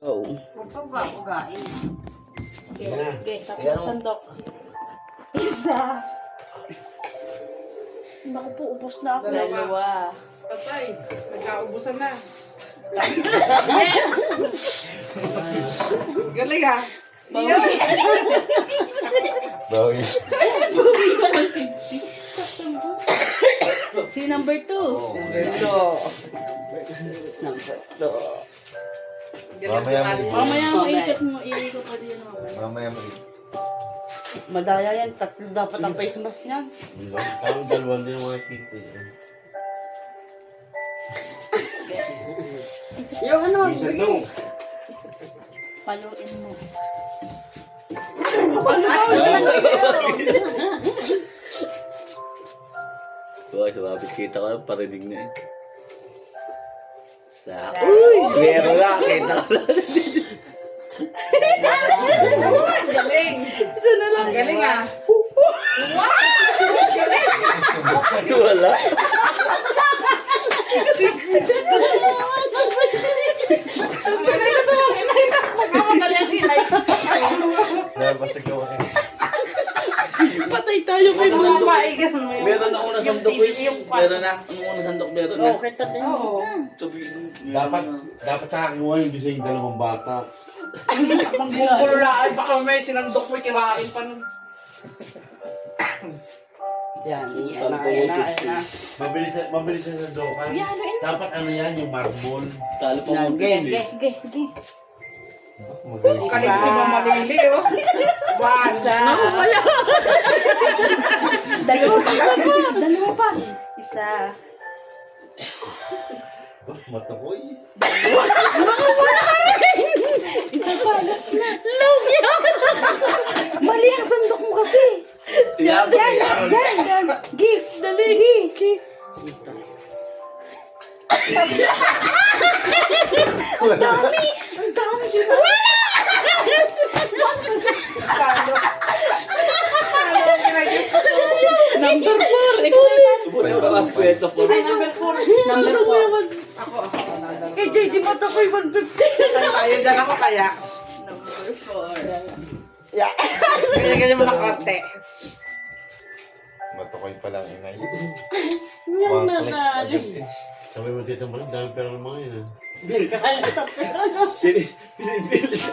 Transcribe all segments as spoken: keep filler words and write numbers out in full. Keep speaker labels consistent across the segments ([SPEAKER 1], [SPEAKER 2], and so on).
[SPEAKER 1] Oh.
[SPEAKER 2] Uga-ugain.
[SPEAKER 3] Okay, okay,
[SPEAKER 1] Ayan,
[SPEAKER 3] tapos
[SPEAKER 1] oh.
[SPEAKER 3] sandok. Isa. Naku po, ubos na ako.
[SPEAKER 2] Dalawa.
[SPEAKER 4] Patay, nagkaubusan na. Galing ah.
[SPEAKER 3] Bawi.
[SPEAKER 1] Bawi.
[SPEAKER 3] Si number two.
[SPEAKER 1] Oh,
[SPEAKER 3] Number
[SPEAKER 1] yeah.
[SPEAKER 3] two. Number two.
[SPEAKER 1] Mamaya mo.
[SPEAKER 3] Mamaya mo, ikot mo, iikot pa din mamaya.
[SPEAKER 1] Mamaya mo.
[SPEAKER 2] Madaya yan, tatlo dapat ang face mask niyan.
[SPEAKER 5] Parang dalawang din mga kita.
[SPEAKER 2] Yung ano,
[SPEAKER 5] Isa daw.
[SPEAKER 3] Paluin mo.
[SPEAKER 1] Uy, sumabit kita ko, parinig na eh. Sa... Uy! Meron lang, kita ko lang.
[SPEAKER 4] Galing.
[SPEAKER 3] Ito na lang.
[SPEAKER 4] Galing ah.
[SPEAKER 1] Wala.
[SPEAKER 4] Ang galing na ito. Inay na. Magkamadali ang inay.
[SPEAKER 1] Nabasag ako eh.
[SPEAKER 3] Patay tayo kay
[SPEAKER 4] Ano
[SPEAKER 3] Mundo.
[SPEAKER 4] ba? Eh, ganun mo yun.
[SPEAKER 1] Meron ako na sandok eh. Meron na. Anong una sandok meron na?
[SPEAKER 3] Oh, kita din.
[SPEAKER 4] Oo.
[SPEAKER 5] Dapat, dapat sa akin mo yung bisa yung dalawang bata.
[SPEAKER 4] Manggugulaan. Baka may sinandok mo, kirain pa nun.
[SPEAKER 2] yan, yan na, yan na, yan na.
[SPEAKER 5] Mabilis, mabilis sa sandokan.
[SPEAKER 3] Yan, ano yun?
[SPEAKER 5] Dapat ano yan, yung marble.
[SPEAKER 1] Talo pa
[SPEAKER 2] Yan,
[SPEAKER 1] mo.
[SPEAKER 2] game,
[SPEAKER 3] Ge, ge, ge.
[SPEAKER 5] Magaling.
[SPEAKER 4] Kalit si Mama Lili, oh. Basta.
[SPEAKER 3] Dalawa pa. Dalawa pa. Isa.
[SPEAKER 5] Oh, matakoy.
[SPEAKER 3] Isa pa. Last na. Love yan. Mali ang sandok mo kasi.
[SPEAKER 1] Yan,
[SPEAKER 3] Yan, yan, yan, yan. Give, dali, give, give. Ang dami. Ang dami yun.
[SPEAKER 4] Talo. Talo ang kinagis ko.
[SPEAKER 3] Number four. Ikaw
[SPEAKER 1] Subuti ko lang sa kwento po.
[SPEAKER 4] Ay, number four.
[SPEAKER 3] Number four.
[SPEAKER 4] Ako, ako. number
[SPEAKER 3] Kay J D mo ito ko'y one fifty.
[SPEAKER 4] Tayo tayo dyan ako kaya.
[SPEAKER 3] Number four.
[SPEAKER 4] Yeah. Ganyan-ganyan mo ng konti.
[SPEAKER 5] Matakoy pa lang inay.
[SPEAKER 3] Yung
[SPEAKER 5] One click
[SPEAKER 3] nanalo.
[SPEAKER 5] agad eh. Sabi mo dito mo, dami pera ng mga yun ah.
[SPEAKER 1] Sinis, sinipilis.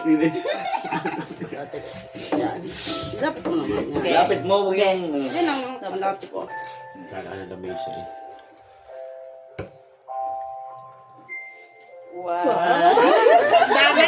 [SPEAKER 2] Yan. Lapit mo naman. yan.
[SPEAKER 1] Lapit mo, huwag yung...
[SPEAKER 2] Yan ang malapit ko.
[SPEAKER 5] Kailangan na mesa eh.
[SPEAKER 3] Wow.
[SPEAKER 4] Dami